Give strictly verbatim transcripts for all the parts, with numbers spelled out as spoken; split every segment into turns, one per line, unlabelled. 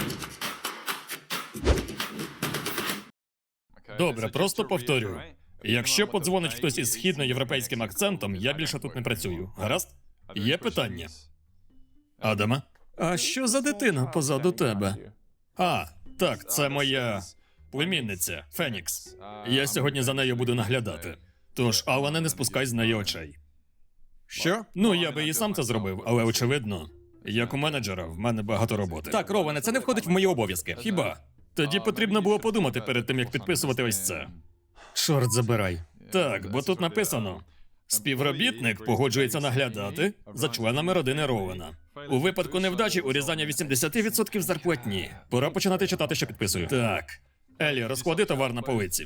Добре, просто повторюю. Якщо подзвонить хтось із східноєвропейським акцентом, я більше тут не працюю. Гаразд? Є питання? Адаме? А що за дитина позаду тебе? А, так, це моя племінниця, Фенікс. Я сьогодні за нею буду наглядати. Тож, Алане, не спускай з неї очей. Що? Ну, я би і сам це зробив, але очевидно, як у менеджера, в мене багато роботи. Так, Роване, це не входить в мої обов'язки. Хіба? Тоді потрібно було подумати перед тим, як підписувати ось це. Чорт забирай. Так, бо тут написано: співробітник погоджується наглядати за членами родини Ровена. У випадку невдачі урізання вісімдесят відсотків зарплатні. Пора починати читати, що підписую. Так. Елі, розклади товар на полиці.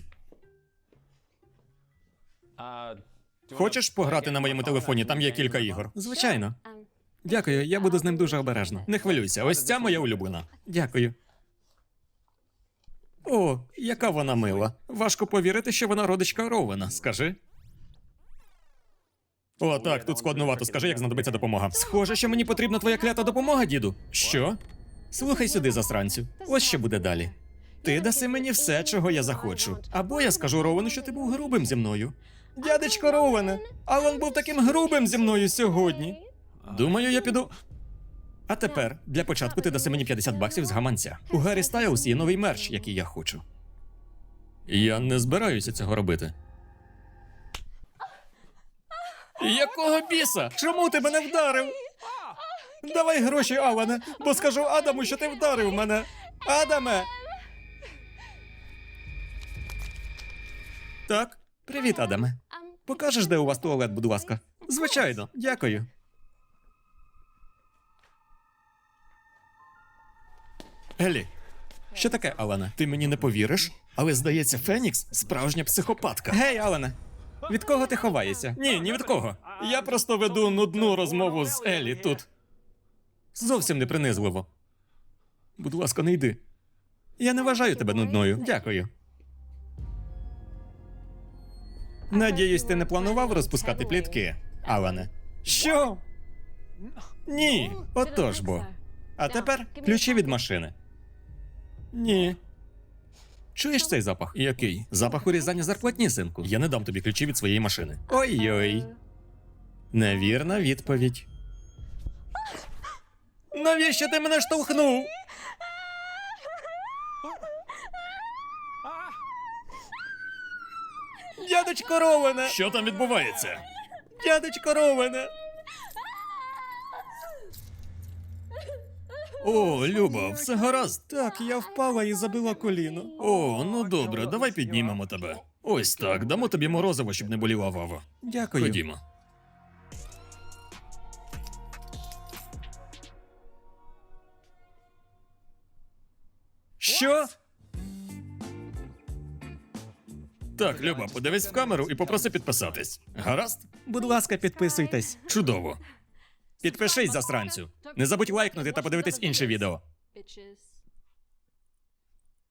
Хочеш пограти на моєму телефоні? Там є кілька ігор. Звичайно. Дякую, я буду з ним дуже обережно. Не хвилюйся, ось ця моя улюблена. Дякую. О, яка вона мила. Важко повірити, що вона родичка Ровена, скажи. О, так, тут складнувато. Скажи, як знадобиться допомога. Схоже, що мені потрібна твоя клята допомога, діду. Що? Слухай сюди, засранцю. Ось що буде далі. Ти даси мені все, чого я захочу. Або я скажу Ровену, що ти був грубим зі мною. Дядечко Ровене, Алан був таким грубим зі мною сьогодні. Думаю, я піду. А тепер, для початку ти даси мені п'ятдесят баксів з гаманця. У Гаррі Стайлз є новий мерч, який я хочу. Я не збираюся цього робити. Якого біса? Чому ти мене вдарив? Давай гроші, Алане, бо скажу Адаму, що ти вдарив мене. Адаме! Так, привіт, Адаме. Покажеш, де у вас туалет, будь ласка? Звичайно, дякую. Елі, що таке, Алане? Ти мені не повіриш? Але, здається, Фенікс – справжня психопатка. Гей, Алане, від кого ти ховаєшся? Ні, ні від кого. Я просто веду нудну розмову з Елі тут. Зовсім не принизливо. Будь ласка, не йди. Я не вважаю тебе нудною. Дякую. Надіюсь, ти не планував розпускати плітки, Алане? Що? Ні, отож бо. А тепер ключі від машини. Ні. Чуєш цей запах? Який? Запах урізання зарплатні, синку. Я не дам тобі ключі від своєї машини. Ой-ой. Невірна відповідь. Навіщо ти мене штовхнув? Дядечко Ровене! Що там відбувається? Дядечко Ровене! О, Люба, все гаразд? Так, я впала і забила коліно. О, ну добре, давай піднімемо тебе. Ось так, дамо тобі морозиво, щоб не боліла вава. Дякую. Ходімо. Що? Так, Люба, подивись в камеру і попроси підписатись. Гаразд? Будь ласка, підписуйтесь. Чудово. Підпишись, засранцю. Не забудь лайкнути та подивитись інше відео.
Bitches.